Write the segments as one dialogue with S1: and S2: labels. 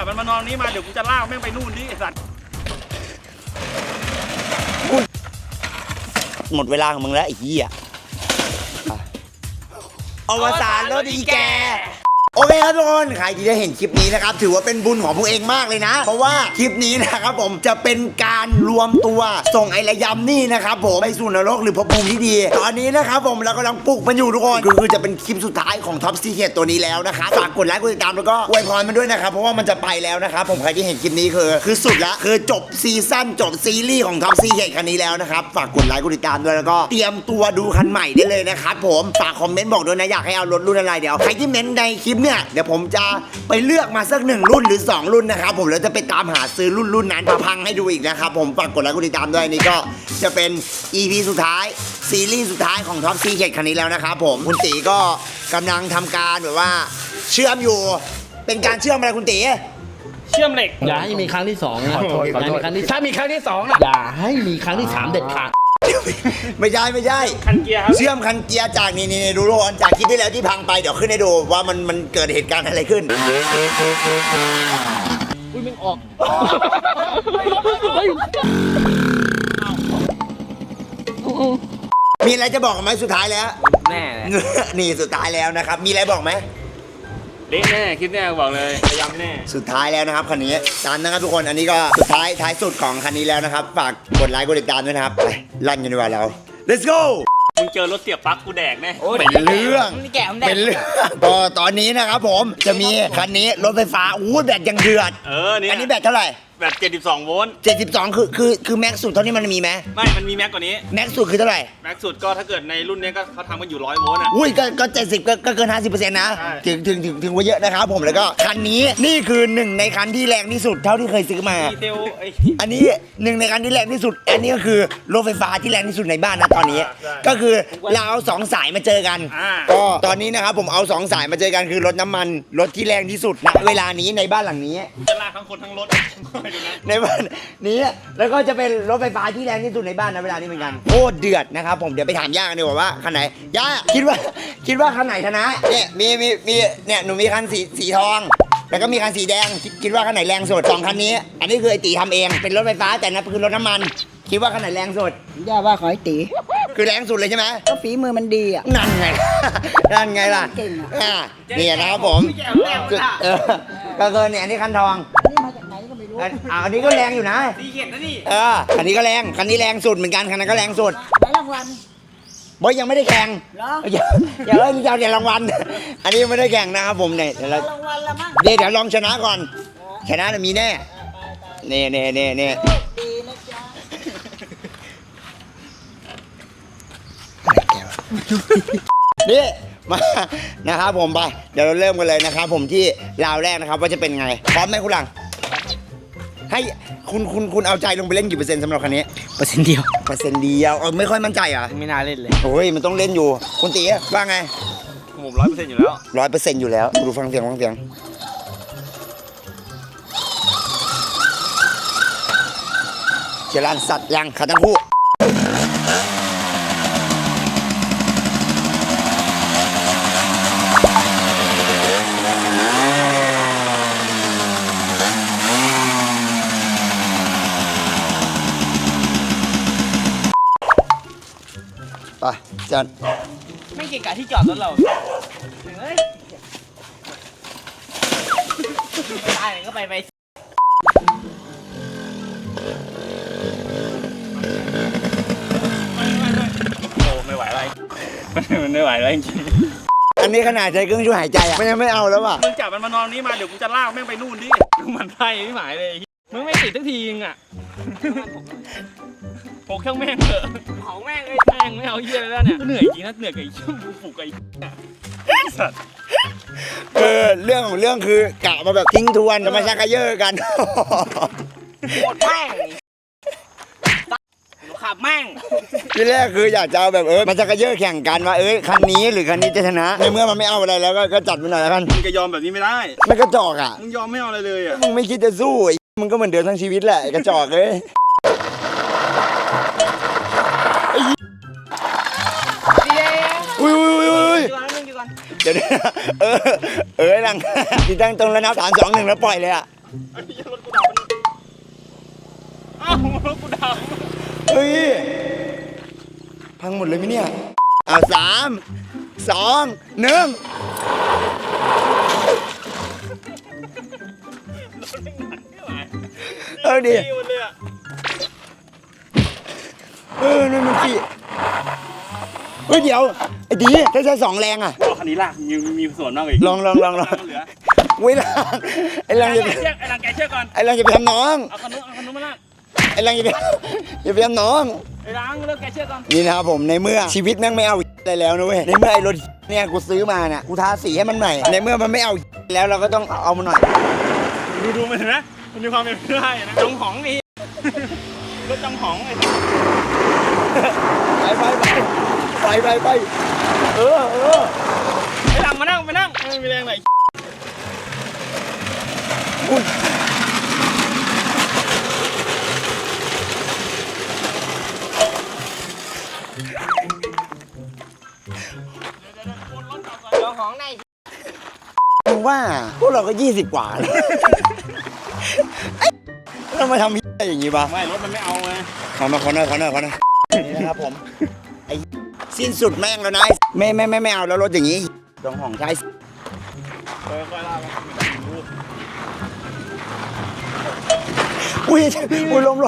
S1: จับมันมานอนนี้มาเดี๋ยวกูจะลากแม่งไปนู่นดิไอ้สัตว์
S2: หมดเวลาของมึงแล้วไอ้เหี้ยอวสานรถอีแกโอเคครับทุกคนใครที่ได้เห็นคลิปนี้นะครับถือว่าเป็นบุญของพวกเองมากเลยนะเพราะว่าคลิปนี้นะครับผมจะเป็นการรวมตัวส่งไอ้ระยำนี่นะครับผมไปสู่นรกหรือภพภูมิที่ดีตอนนี้นะครับผมเรากำลังปลุกมันอยู่ทุกคนคือจะเป็นคลิปสุดท้ายของท็อปซีเคทตัวนี้แล้วนะคะฝากกดไลค์กดติดตามแล้วก็อวยพรมันด้วยนะครับเพราะว่ามันจะไปแล้วนะครับผมใครที่เห็นคลิปนี้คือสุดละคือจบซีซั่นจบซีรีส์ของท็อปซีเคทคันนี้แล้วนะครับฝากกดไลค์กดติดตามด้วยแล้วก็เตรียมตัวดูคันใหม่ได้เลยนะครับผมฝากคอมเมนต์บอกด้วยนะอยากให้เอารถรุ่นอะไรเดี๋ยวใครที่เม้นในคลิปเนี่ยเดี๋ยวผมจะไปเลือกมาสัก1รุ่นหรือ2รุ่นนะครับผมแล้วจะไปตามหาซื้อรุ่นนั้นมาพังให้ดูอีกนะครับผมฝากกดไลค์กดติดตามด้วยนี่ก็จะเป็น EP สุดท้ายซีรีส์สุดท้ายของท็อปซีเคทคันนี้แล้วนะครับผมคุณตีก็กำลังทำการแบบว่าเชื่อมอยู่เป็นการเชื่อมอะไรคุณตี
S1: เชื่อมเหล็ก
S3: อย่าให้มีครั้งที่2นะถ้ามีครั้งที่2นะอย่าให้มีครั้งที่3เด็ดขาด
S2: ไม่ใช่
S1: คันเกียร์ครับ
S2: เชื่อมคันเกียร์จากนี่ดูทุกคนจากคลิปที่แล้วที่พังไปเดี๋ยวขึ้นให้ดูว่ามันเกิดเหตุการณ์อะไรขึ้น
S3: อุ้ยมึงออก
S2: มีอะไรจะบอกไหมสุดท้ายแล้ว
S1: แน่
S2: นี่สุดท้ายแล้วนะครับมีอะไรบอกไหม
S1: เละแน่คลิปแน่บอกเลยพยายามแน่
S2: สุดท้ายแล้วนะครับคันนี้ตามนะครับทุกคนอันนี้ก็สุดท้ายสุดของคันนี้แล้วนะครับฝากกดไลค์กดติดตามด้วยนะครับไปลั่นกันดีกว่าเรา let's go
S1: มึงเจอรถเสียบปลั๊กกูแดกแน่
S2: เป็นเรื่องก็ตอนนี้นะครับผมจะมีคันนี้รถไฟฟ้าแบตยังเดือด
S1: นี่
S2: อันนี้แบตเท่าไหร่
S1: แบต72 โวลต์
S2: 72คือแม็กซ์สุดเท่านี้มันมีไหม
S1: ไม่มันมีแม็กกว่านี้
S2: แม็กซ์สุดคือเท่าไหร่
S1: แม็กซ์สุดก็ถ้าเกิดในรุ่นนี้ก็เขาทำกันอยู่100 โวลต์อ่ะ
S2: ก็70ก็เกิน 50% นะถึงว่าเยอะนะครับผมแล้วก็คันนี้นี่คือ1ในคันที่แรงที่สุดเท่าที่เคยซื้อมาอันนี้1ในคันที่แรงที่สุดอันนี้ก็คือรถไฟฟ้าที่แรงที่สุดในบ้านนะตอนนี้ก็คือเราเอา2สายมาเจอกันก็ตอนนี้นะครับผมเอา2สายมาเจอกันคือรถน้ำมันรถที่แรงที่สุดณเวลานี้ในบ้านหลังนี้
S1: จะลากทั้งคนทั้งรถ
S2: ในบ้านนี้แล้วก็จะเป็นรถไฟฟ้าที่แรงที่สุดในบ้านนะเวลานี้เหมือนกันโคตรเดือดนะครับผมเดี๋ยวไปถามย่ากันดีกว่าว่าคันไหนย่าคิดว่าคันไหนชนะเนี่ยมีเนี่ยหนูมีคันสีทองแล้วก็มีคันสีแดงคิดว่าคันไหนแรงสุด2คันนี้อันนี้คือไอตีทำเองเป็นรถไฟฟ้าแต่นั่นคือรถน้ำมันคิดว่าคันไหนแรงสุด
S4: ย่าว่าขอไอตี
S2: คือแรงสุดเลยใช่ไหม
S4: ก็ฝีมือมันดีอ่ะ
S2: นั่นไงล่ะ
S4: เก่งอ่ะ
S2: นี่นะครับผมก็เกินเนี่ยอันนี้คันทอง
S4: นี่มาจากไหนก็ไม่รู้
S2: อันนี้ก็แรงอยู่นะ
S1: ซีเกตนะนี่
S2: อันนี้ก็แรงคันนี้แรงสุดเหมือนกันคันนั้นก็แรงสุด
S4: ได้รางวัล
S2: บอยยังไม่ได้แข่งอย่าเล่นยาวเดี๋ยวรางวัลอันนี้ไม่ได้แข่งนะครับผมเนี่ย
S4: รางวัลละมั้ง
S2: เดี๋ยวลองชนะก่อนชนะมีแน่เนี่ย
S4: ดีนะ
S2: จ๊ะนี่มานะครับผมไปเดี๋ยวเราเริ่มกันเลยนะครับผมที่ราวแรกนะครับว่าจะเป็นไงพร้อมไหมคุณหลังให้คุณเอาใจลงไปเล่นกี่เปอร์เซ็นต์สำหรับคันนี้
S3: %เดียว
S2: ไม่ค่อยมั่นใจเหรอ
S3: ไม่น่าเล่นเลย
S2: โอ้ยมันต้องเล่นอยู่คุณตีว่าไง
S1: ผม100%อยู่แล้ว
S2: 100%อยู่แล้วดูฟังเสียงเจริญสัตว์ยังขาทั้งคู่ไปจัน
S1: ไม่เก่งกะที่จอดรถเราเฮ้ยตายไหนก็ไปโอ้ไม่ไหวอะไรมันไม่ไหวแล้วจริง
S2: อันนี้ขนาดใจเครื่องช่วยหายใจอ่ะมันยังไม่เอาแล้วอ่ะ
S1: มึงจับมันมานอนนี้มาเดี๋ยวกูจะลากแม่งไปนู่นดิมันไส้ไม่หมายเลยมึงไม่ติดสักทีนึงอ่ะโผล่เครื่องแม่งเถอะเผาแม่งเลยแม่งไม่เอาเยี่ยแล้วเนี่ยเหนื่อยจริงนะเหนื่อยกับไอ้ชั่วผูกไอ้สัตว์
S2: เรื่องของเรื่องคือกะมาแบบทิ้งทวนจะมาชักกระเยอะกัน
S1: หมดแม่งขับแม่ง
S2: ที่แรกคืออยากจะเอาแบบมันชักกระเยอะแข่งกันว่าคันนี้หรือคันนี้จะชนะในเมื่อมันไม่เอาอะไรแล้วก็จัดไปหน่อยแล้วกัน
S1: มึงจะยอมแบบนี้ไม่ได้
S2: ไม่กระจอกอ่ะ
S1: มึงยอมไม่เอาอะไรเลยอ่ะ
S2: มึงไม่คิดจะสู้มึงก็เหมือนเดิมทั้งชีวิตแหละกระจอกเลยเดี๋ยวหลังที่ตั้งตรงแล้วนับ3 2 1แล้วปล่อยเลยอ่ะ
S1: อันนี้รถกูดับอ้าวรถกูดับ
S2: เฮ้ยพังหมดเลยไหมเนี่ยเอา3 2 1เออดินั่นมันสิเฮ้ยเดี๋ยวไอ้ดีถ้าใช้2แรงอ่ะ
S1: คันนี้ลากมีส่วนมากอีก
S2: ลอง
S1: เหลือ
S2: เว้ยล่ะไอ้ลังอย่าไป
S1: ไอ้ลังแกเชือกก่อน
S2: ไอ้ลังอย่าไปทำน้อง
S1: เอาคันนู้นมาลาก
S2: ไอ้ลังอย่าไปทำน้อง
S1: ไอ้ลังเลิกแกเชือกก่อน
S2: นี่นะครับผมในเมื่อชีวิตแม่งไม่เอาอะไรแล้วนะเว้ยในเมื่อไอ้รถเนี่ยกูซื้อมาเนี่ยกูทาสีให้มันใหม่ในเมื่อมันไม่เอาแล้วเราก็ต้องเอามันหน่อย
S1: ดูมันเห็นไหมมันมีความเป็นไปได้นะจงหองนี่รถจงหองไอ้
S2: ไปเออ
S1: ไอ้ลังมานั่งไม่มีแรงไหน
S2: อุ้ยมึงว่าพวกเราก็20 กว่าแล้วเรามาทำอะไรอย่างงี้ปะ
S1: ไม่รถมันไม่เอาไง
S2: ขอหน่อยนี่นะครับผมไอ้สิ้นสุดแม่งแล้วนะไม่เอาแล้วรถอย่างงี้ตรงห้องใช้
S1: ค่อยๆลาก
S2: อุ้ยลม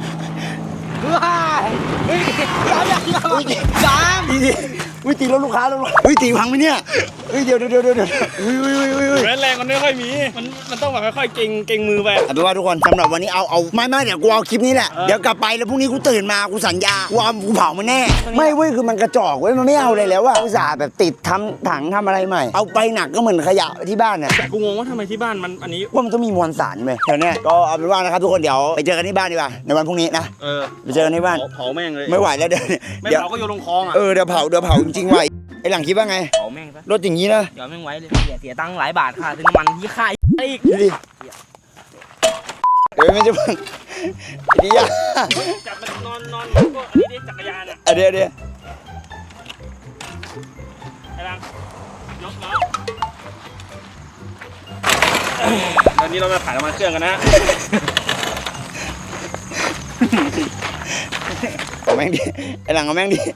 S2: อุ้ยตีรถลูกค้าแล้วอุ้ยตีพังไหมเนี่ยอุ้ยเดี๋ยวอุ้ย
S1: แรงมันไม่ค่อยมีมันต้องแบบค่อยๆเก่งมือไป
S2: เอาเป็นว่าทุกคนสำหรับวันนี้เอาไม่เดี๋ยวกูเอาคลิปนี้แหละเดี๋ยวกลับไปแล้วพรุ่งนี้กูตื่นมากูสัญญากูเผามันแน่ไม่เว้ยคือมันกระจอกเว้ยมันไม่เอาเลยแล้วอะอุตส่าห์แบบติดทำถังทำอะไรใหม่เอาไปหนักก็เหมือนขยะที่บ้านเนี่ย
S1: แต่กูงงว่าทำไมที่บ้านมันอันนี้
S2: ว่ามันต้องมีมวลสารไหมเดี๋ยวนี้ก็เอาเป็นว่านะครับทุกคนเดี๋ยวไปเจอกันที่บ้านดีกว่าในวันพรุ่งนี้นะไปเจอกันที่บ้าน
S1: เผาแม่งเลย
S2: ไม่ไหวแล้วเดี๋ยว
S1: ไม่เผาก็โยนลงคลองอ่ะ
S2: เดี๋ยวเผาจริงๆว่ะไอ้หลังคิดว่าไง
S5: เผาแม่งซะ
S2: รถอย่างนี้นะ
S5: เดี๋ยวแม่งไว้เลยเสียตังค์หลายบาทค่ะซื้อน้ำมันที่ค่ายอีก
S2: ดูดิเดี๋ยวไม่จะพังดีอ่ะ
S1: จับมันนอนก็อันนี้ดิจักรยานอ่ะ
S2: เดี๋ยว
S1: ไอ้ลังยกล้อตอนนี้เราจะถ่ายน้ำมันเครื่องกันนะ
S2: เอาแม่งดิไอ้หลังเอาแม่งดิ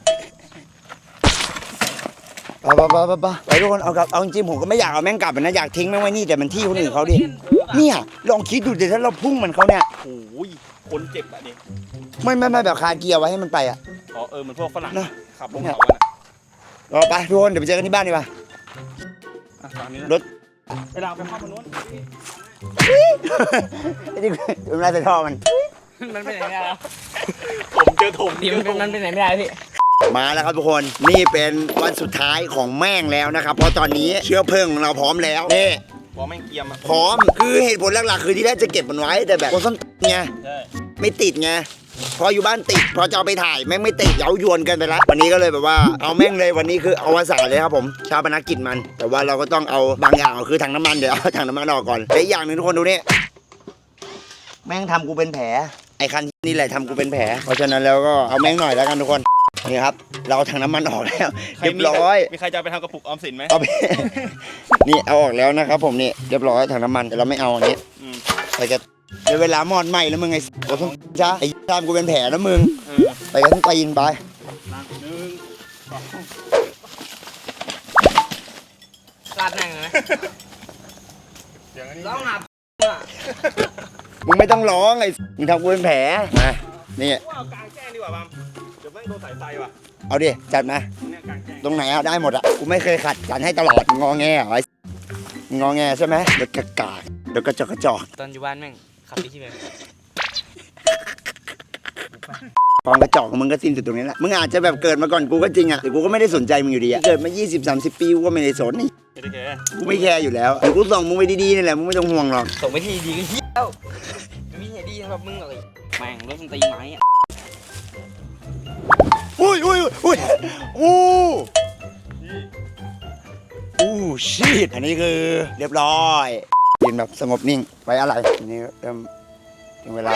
S2: ไปทุกคนเอาจริงๆผมก็ไม่อยากเอาแม่งกลับนะอยากทิ้งแม่งไว้นี่แต่มันที่คนอื่นเขาดิเนี่ยลองคิดดูเดี๋ยวถ้าเราพุ่งมันเขาเนี่ย
S1: โอ้ยคนเจ็บอ่ะดิ
S2: ไม่แบบคาเกียร์ไว้ให้มันไปอ่ะ
S1: อ๋อเหมือนพวกฝรั่ง
S2: นะ
S1: ขับลงเขากัน
S2: รอไปทุกคนเดี๋ยวไปเจอกันที่บ้านดีกว่า
S1: อ่ะตอนนี้
S2: รถ
S1: ไอ้ลังไปเข้ามาโน้น
S2: ไอ้นี่เป็นไรแต่ท่อมัน
S5: มันไปไหนไม่ได้แล้ว
S1: ผมเจอถม
S5: ดีมันไปไหนไม่ได้พี่
S2: มาแล้วครับทุกคนนี่เป็นวันสุดท้ายของแม่งแล้วนะครับเพราะตอนนี้เชื้อเพลิงของเราพร้อมแล้วนี่
S1: พอแม่งเกียมอ่ะ
S2: พร้อมคือเหตุผลหลักๆคือที่แรกจะเก็บมันไว้แต่แบบคนส้นไง
S1: ใช่
S2: ไม่ติดไงพออยู่บ้านติดพอจะเอาไปถ่ายแม่งไม่ติดเย้ายวนกันไปละวันนี้ก็เลยแบบว่าเอาแม่งเลยวันนี้คือเอาวสานเลยครับผมชาปนกิจมัน แต่ว่าเราก็ต้องเอาบางอย่างคือถังน้ำมันเดี๋ยวเอาถังน้ำมันออกก่อนและอีกอย่างหนึ่งทุกคนดูนี่แม่งทำกูเป็นแผลไอ้คันนี่แหละทำกูเป็นแผลเพราะฉะนั้นแล้วก็เอาแม่งหน่อยแล้วกันทุกคนนี่ครับเราเอาถังน้ำมันออกแล้วเรียบร้อย
S1: มีใครจะไปทำกระปุกออมสินไหม
S2: เอาไป นี่เอาออกแล้วนะครับผมนี่เรียบร้อยถังน้ำมันแต่เราไม่เอาอันนี้ ไปกันเดี๋ยวเวลามอดไหมแล้วมึงไอ้โอ้ทุกจ้าไอ้ทำกูเป็นแผลแล้วมึงไปกันทั้งตีนไป
S5: ลาดแม่งเลยร้องหา
S2: มึงไม่ต้องร้องไอ้มึงทำกูเป็นแผลมานี่
S1: ว่าเอากลางแจ้งดีกว่าบัมเดี๋ยวแม่งโดนสายไฟว่ะ
S2: เอาดิจัดมา
S1: เนี่ยกลางแจ้ง
S2: ตรงไหนเอาได้หมดอ่ะกูไม่เคยขัดจัดให้ตลอดงอแงเหรอไอ้งอแงใช่ไหมเดี๋ยวกากาเดี๋ยวกระจอกกระจอก
S5: ตอนอยู่บ้านแม่งขับไปที่ไหน
S2: ความกระจอกของมึงก็สิ้นสุดตรงนี้แหละมึงอาจจะแบบเกิดมาก่อนกูก็จริงอ่ะแต่กูก็ไม่ได้สนใจมึงอยู่ดีอ่ะเกิดมา20-30 ปีกูก็ไม่ได้สนนี่
S1: โอเค
S2: กูไม่แคร์อยู่แล้วเดี๋ยวกูส่งมึงไปดีๆนี่แหละมึงไม่ต้องห่วงหรอก
S5: ส่งไปที่ดีก็เฮี้ยวไม่มีเหตุดีสำหรับมึงหรอกแม่งรถมันตีไม้อะ
S2: อู้ชีตอันนี้คือเรียบร้อยยืนแบบสงบนิ่งไว้อะไรอันนี้เริ่มถึงเวลา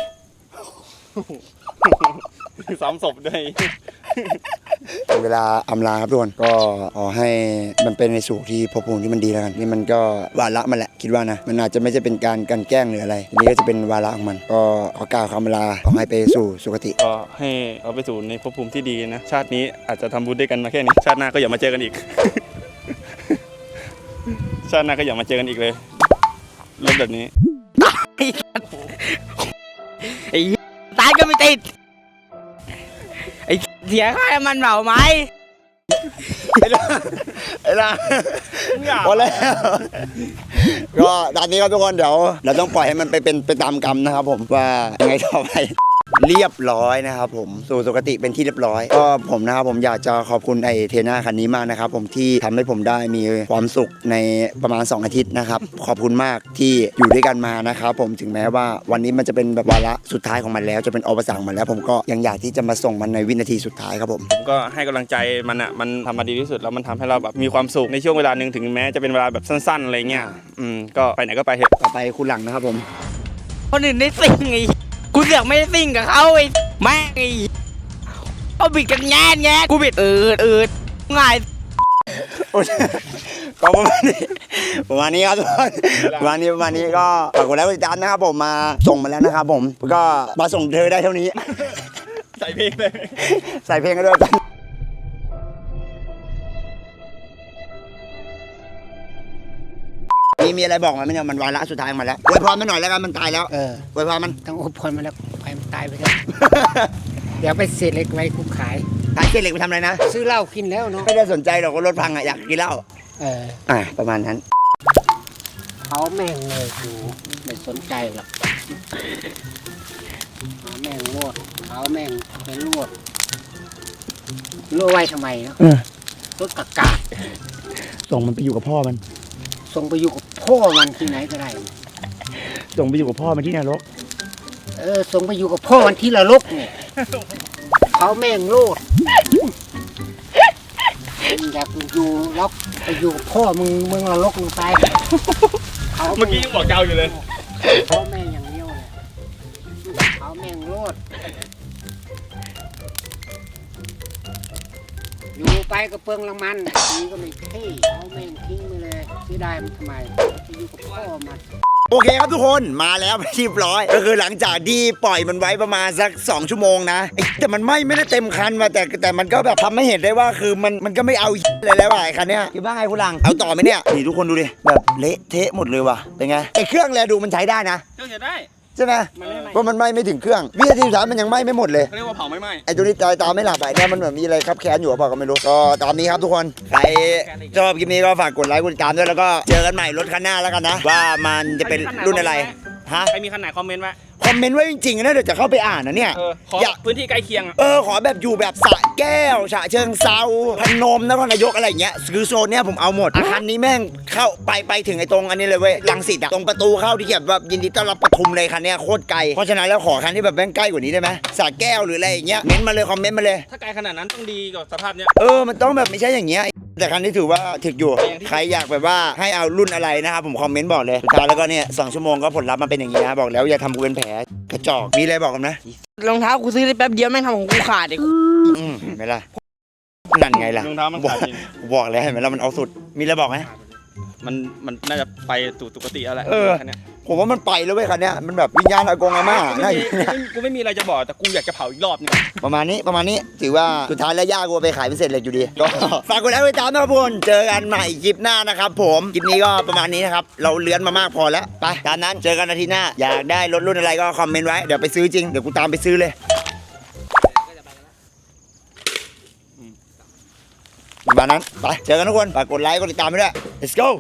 S1: ซ้ำศพด้วย
S2: ถึงเวลาอำลาครับทุกคนก็ขอให้มันเป็นในสู่ที่ภพภูมิที่มันดีแล้วกันนี่มันก็วาระมันแหละคิดว่านะมันอาจจะไม่ใช่เป็นการกลั่นแกล้งหรืออะไรอันนี้ก็จะเป็นวาระของมันก็ขอกล่าวคำลาขอให้ไปสู่สุคติ
S1: ก็ให้เอาไปสู่ในภพภูมิที่ดีนะชาตินี้อาจจะทำบุญด้วยกันมาแค่นี้ชาติหน้าก็อย่ามาเจอกันอีก ชาติหน้าก็อย่ามาเจอกันอีกเลยเรื่องแบบนี้
S5: ไอ้ตายก็ไม่ติดไอ้เสียค่าน้ำมันเผาไหม
S2: ไอ้ล่ะพอแล้วก็ตอนนี้ครับทุกคนเดี๋ยวเราต้องปล่อยให้มันเป็นไปตามกรรมนะครับผมว่ายังไงต่อไปเรียบร้อยนะครับผมสู่สุคติเป็นที่เรียบร้อยก็ผมนะครับผมอยากจะขอบคุณไอเทน่าคันนี้มากนะครับผมที่ทำให้ผมได้มีความสุขในประมาณ2 อาทิตย์นะครับขอบคุณมากที่อยู่ด้วยกันมานะครับผมถึงแม้ว่าวันนี้มันจะเป็นแบบวาระสุดท้ายของมันแล้วจะเป็นอุปสรรคมันแล้วผมก็ยังอยากที่จะมาส่งมันในวินาทีสุดท้ายครับผม
S1: ผมก็ให้กำลังใจมันอ่ะมันทำมาดีที่สุดแล้วมันทำให้เราแบบมีความสุขในช่วงเวลาหนึ่งถึงแม้จะเป็นเวลาแบบสั้นๆอะไรเงี้ยก็ไปไหนก็ไปเถอะ
S2: ต่อไปคุณหลังนะครับผม
S5: คนอื่นได้ซิ่งไอ้กูเสือกไม่ได้ซิ่งกับเขาไอ้แม่งไอ้เขาบิดกันแง่กูบิดง่าย
S2: ก็ประมาณนี้ครับทุกคนประมาณนี้ก็ฝากกดไลค์กดติดตามนะครับผมมาส่งมาแล้วนะครับผมก็มาส่งเธอได้เท่านี้
S1: ใส่เพลงเลย
S2: ใส่เพลงกันด้วยกันมีอะไรบอกมันไหมเนี่ยมันวาระสุดท้ายมาแล้วอวยพรมันหน่อยแล้วกันมันตายแล้วอวยพรมัน
S4: ต้องอดทนมาแล้วไปมันตายไปแล้ว เดี๋ยวไปเศษเหล็กไว้กูขาย
S2: ขายเกล็ดเหล็กไปทำอะไรนะ
S4: ซื้อเหล้ากินแล้วเนาะ
S2: ไม่ได้สนใจหรอกว่ารถพังอ่ะอยากกินเหล้า ประมาณนั้น
S4: เขาแม่งเลยกูไม่สนใจหรอกเขาแม่งโลดเขาแม่งเป็นลวดไว้ทำไมเนาะรถกากา
S2: ส่งมันไปอยู่กับพ่อมัน
S4: ส่งไปอยู่กับพ่อมันที่ไหนก็ได้
S2: ส่งไปอยู่กับพ่อมันที่นรก
S4: ส่งไปอยู่กับพ่อมันที่ละลกเนี่ยเขาแม่งโลดอยากอยู่ล็อกไปอยู่กับพ่อมึงละลกมึงตาย
S1: เมื่อกี้ยังบอกเจ้าอยู่เลย
S4: เขาแม่งอย่างเดียวเลยเขาแม่งโลดอยู่ไปก็เปลืองละมันนี่ก็ไม่เท่เขาแม่งทิ้งไปเลยเสียดายมันทำไมไปอยู่กับพ่อมัน
S2: โอเคครับทุกคนมาแล้วเรียบร้อยก็คือหลังจากที่ปล่อยมันไว้ประมาณสัก2 ชั่วโมงนะแต่มันไม่ได้เต็มคันมาแต่มันก็แบบทำให้เห็นได้ว่าคือมันก็ไม่เอาเลยแล้วไอ้คันเนี้ยคิดว่าไงคุณหลังเอาต่อไหมเนี่ยนี่ทุกคนดูดิแบบเละเทะหมดเลยว่ะเป็นไงไอ้เครื่องแลดูมันใช้ได้นะ
S1: เครื่องจะได้
S2: ใช่ไหมเพราะมันไหม้ไม่ถึงเครื่องวินาทีสุดท้ายมันยังไหม้ไม่หมดเลย
S1: เขาเรียกว่าเผาไม่ไหม้
S2: ไอ้ตัวนี้ตาไม่หลับไปเนี่ยมันเหมือนมีอะไรครับแค้นอยู่หรือเปล่าก็ไม่รู้ก็ตามนี้ครับทุกคนใครชอบคลิปนี้ก็ฝากกดไลค์กดติดตามด้วยแล้วก็เจอกันใหม่รถคันหน้าแล้วกันนะว่ามันจะเป็นรุ่นอะไรฮะ
S1: ใครมีคันไหนคอมเมนต์ไว้
S2: คอมเมนต์ไว้จริงๆนะเดี๋ยวจะเข้าไปอ่านนะเนี่ย
S1: ขอพื้นที่ใกล้เคียง
S2: ขอแบบอยู่แบบสระแก้วฉะเชิงเซาพนมนครนายกอะไรอย่างเงี้ยคือโซนเนี้ยผมเอาหมดอาคารนี้แม่งเข้าไปถึงไอ้ตรงอันนี้เลยเว้ยรังสิตอะตรงประตูเข้าที่เขียนแบบยินดีต้อนรับปทุมเลยคันเนี้ยโคตรไกลเพราะฉะนั้นแล้วขอคันที่แบบแม่งใกล้กว่านี้ได้ไหมสระแก้วหรืออะไรอย่างเงี้ยเม้นมาเลยคอมเมนต์มาเลย
S1: ถ้าไกลขนาดนั้นต้องดีกว่าสภาพเนี้ย
S2: มันต้องแบบไม่ใช่อย่างเงี้ยแต่คันนี้ถือว่าถึกอยู่ใครอยากแบบว่าให้เอารุ่นอะไรนะครับผมคอมเมนต์บอกเลยสุดท้ายแล้วก็เนี่ย2 ชั่วโมงก็ผลลัพธ์มันเป็นอย่างนี้นะบอกแล้วอย่าทำกูเป็นแผลกระจอกมีอะไรบอกกันนะ
S5: รองเท้ากูซื้อได้แป๊บเดียวแม่งทำของกูขาดไอ้
S2: เห็นไหมล่ะนั่นไงล่ะ
S1: รองเท้ามันขาดจริง
S2: บอกแล้วเห็นไหมล่ะมันเอาสุดมีอะไรบอกไหม
S1: มันน่าจะไปสู่สุคติแล้วแหละคันเนี้ย
S2: ผมว่ามันไปแล้วเว้ยคันเนี้ยมันแบบวิญญาณอากงอาม่าน่าอยู่เนี่ย
S1: กูไม่มีอะไรจะบอกแต่กูอยากจะเผาอีกรอบนึง
S2: ประมาณนี้ถือว่าสุดท้ายแล้วย่ากูเอาไปขายเป็นเศษเหล็กอยู่ดีก็ฝากกดไลค์กดติดตามนะครับทุกคนเจอกันใหม่คลิปหน้านะครับผมคลิปนี้ก็ประมาณนี้นะครับเราเลื้อนมามากพอแล้วไปตามนั้นเจอกันอาทิตย์หน้าอยากได้รถรุ่นอะไรก็คอมเมนต์ไว้เดี๋ยวไปซื้อจริงเดี๋ยวกูตามไปซื้อเลยประมาณนั้นไปเจอกันทุกคนฝากกดไลค์กดติดตามไปด้วย let's go